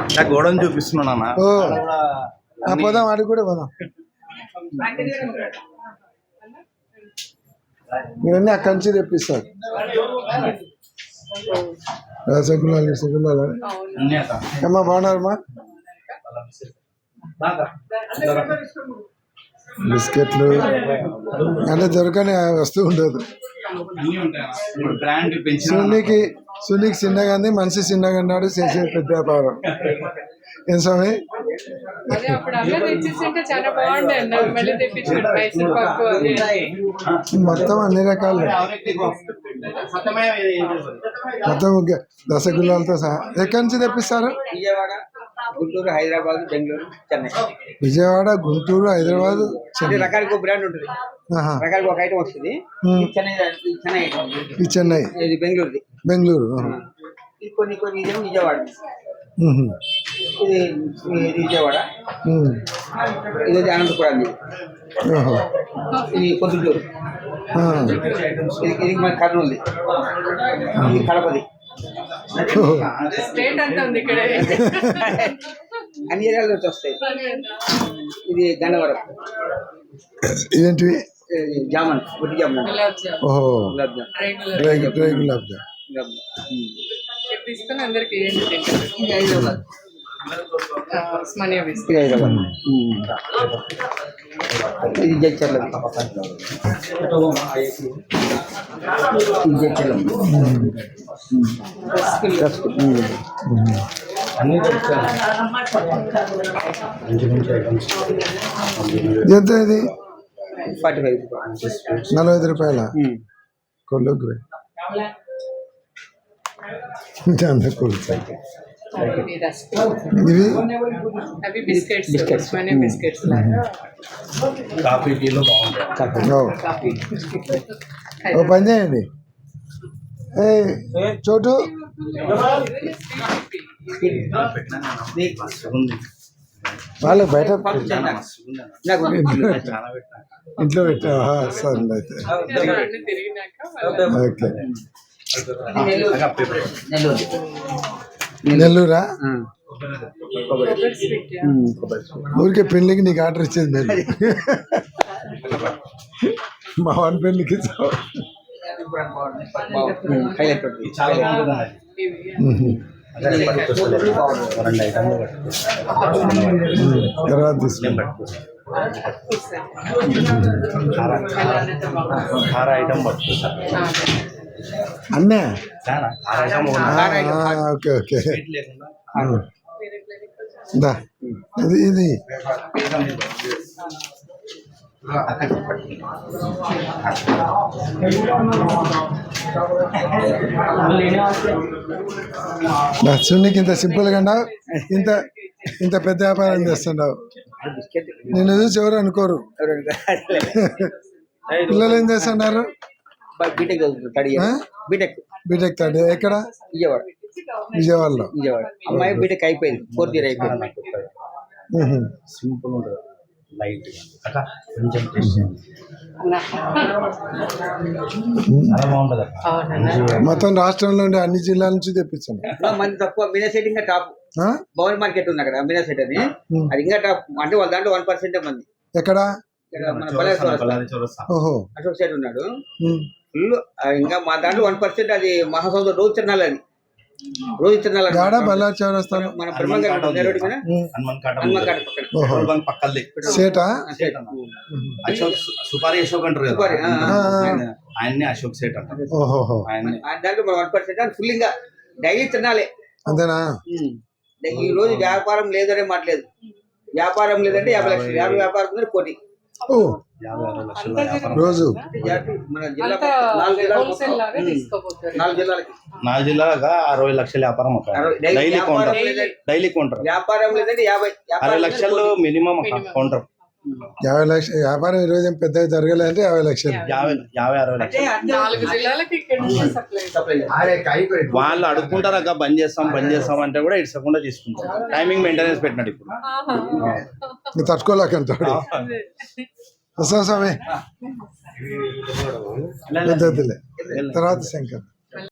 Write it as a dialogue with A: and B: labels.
A: గోడను చూపిస్తున్నాను
B: ఓ పోదాం, ఆడికి కూడా పోదాం. ఇవన్నీ అక్కడి నుంచి తెప్పిస్తారు. రసగుల్లాలు రసగుల్లాలు అమ్మా బాగున్నారమ్మా. బిస్కెట్లు అంటే దొరకని వస్తువు ఉండదు. సునీకి చిన్నగా ఉంది, మనిషి చిన్నగా ఉన్నాడు, చేసే పెద్ద వ్యాపారం. ఏం స్వామి మొత్తం అన్ని రకాలు, మొత్తం రసగుల్లాలతో సహా. ఎక్కడి నుంచి తెప్పిస్తారు?
C: గుంటూరు, హైదరాబాద్, బెంగళూరు, చెన్నై.
B: విజయవాడ, గుంటూరు, హైదరాబాద్, చెన్నై.
C: రకానికి ఒక బ్రాండ్ ఉంటుంది, రకానికి ఒక ఐటమ్ వస్తుంది.
B: ఈ చెన్నై,
C: బెంగళూరు,
B: బెంగళూరు.
C: కొన్ని కొన్ని విజయవాడ, ఇది విజయవాడ, ఇది అనంతపురం, ఇది పొద్దుటూరు, ఇది మన కర్నూలు, ఇది కడపది. అన్ని ఏరియాల నుంచి వస్తాయి. ఇది గన్నవరం.
B: ఇదేంటివి?
C: జామన్, గుడ్డి జామన్.
B: ఓహో,
C: హైదరాబాద్. ఇది జడ్చర్ల,
B: ఎంత ఇది?
C: 45,
B: 45 రూపాయల కొల్లుగు. ఇవి
A: కాఫీ టీలో బాగుంటాయి.
B: ఓ పని చేయండి, చోటు వాళ్ళు బయట ఇంట్లో పెట్టావా? సరే అయితే ఓకే. నెల్లూరా? ఊరికే పెళ్ళికి నీకు ఆర్డర్ ఇచ్చేది నేను. మా వాడి పెళ్ళికి తర్వాత తీసుకుని అన్నే. ఓకే ఓకే, ఇది సున్నికి ఇంత సింపుల్ గా ఇంత ఇంత పెద్ద వ్యాపారం చేస్తుండవు. నేను చూసి ఎవరు అనుకోరు. పిల్లలు ఏం చేస్తున్నారు? B Tech third. ఎక్కడ? విజయవాడలో.
C: అమ్మాయి బీటెక్ అయిపోయింది, 4th ఇయర్ అయిపోయింది.
A: సింపుల్ ఉంటుంది, లైట్
B: మొత్తం రాష్ట్రంలో ఉండే అన్ని జిల్లాల నుంచి తెప్పించాను.
C: మంది తక్కువ. మీనా సెట్ ఇంకా టాప్. భవన్ మార్కెట్ ఉంది అక్కడ, మీనా సెట్ అని. అది ఇంకా టాప్. అంటే వాళ్ళ దాంట్లో 1% మంది.
B: ఎక్కడ?
C: అశోక్ సైడ్ ఉన్నాడు ఫుల్. ఇంకా మా దాంట్లో 1%. అది మహాసముద్రం రోజు తిరణాలు. అది రోజు తిరణాలు మన
A: సుపారి అశోక్ అంటారు కదా, ఆయన్ని అశోక్ సేట్ అంటారు.
C: దాంట్లో 1% ఫుల్. ఇంకా డైలీ తిరణాలే.
B: అంతేనా?
C: ఈ రోజు వ్యాపారం లేదనే మాట్లేదు. వ్యాపారం లేదంటే 50 లక్షలు, 50 వ్యాపారం ఉందంటే 1 కోటి
B: రోజు.
C: మన జిల్లా 4 జిల్లాలకి
A: 4 జిల్లాగా 60 లక్షల వ్యాపారం. డైలీ కౌంటర్
C: వ్యాపారం లేదంటే
A: 60 లక్షలు మినిమం కౌంటర్.
B: 50 లక్షలు వ్యాపారం ఈరోజు ఏం పెద్దగా జరగలేదంటే 50 లక్షలు,
A: 50-60 లక్షలు. వాళ్ళు అడుగుకుంటారు అక్క, బంద్ చేస్తాం అంటే కూడా ఇడ్సకుండా తీసుకుంటారు. టైమింగ్ మెయింటెనెన్స్ పెట్టినాడు ఇప్పుడు.
B: తట్టుకోలేకంటాడు. వస్తాం స్వామి. తర్వాత శంకర్.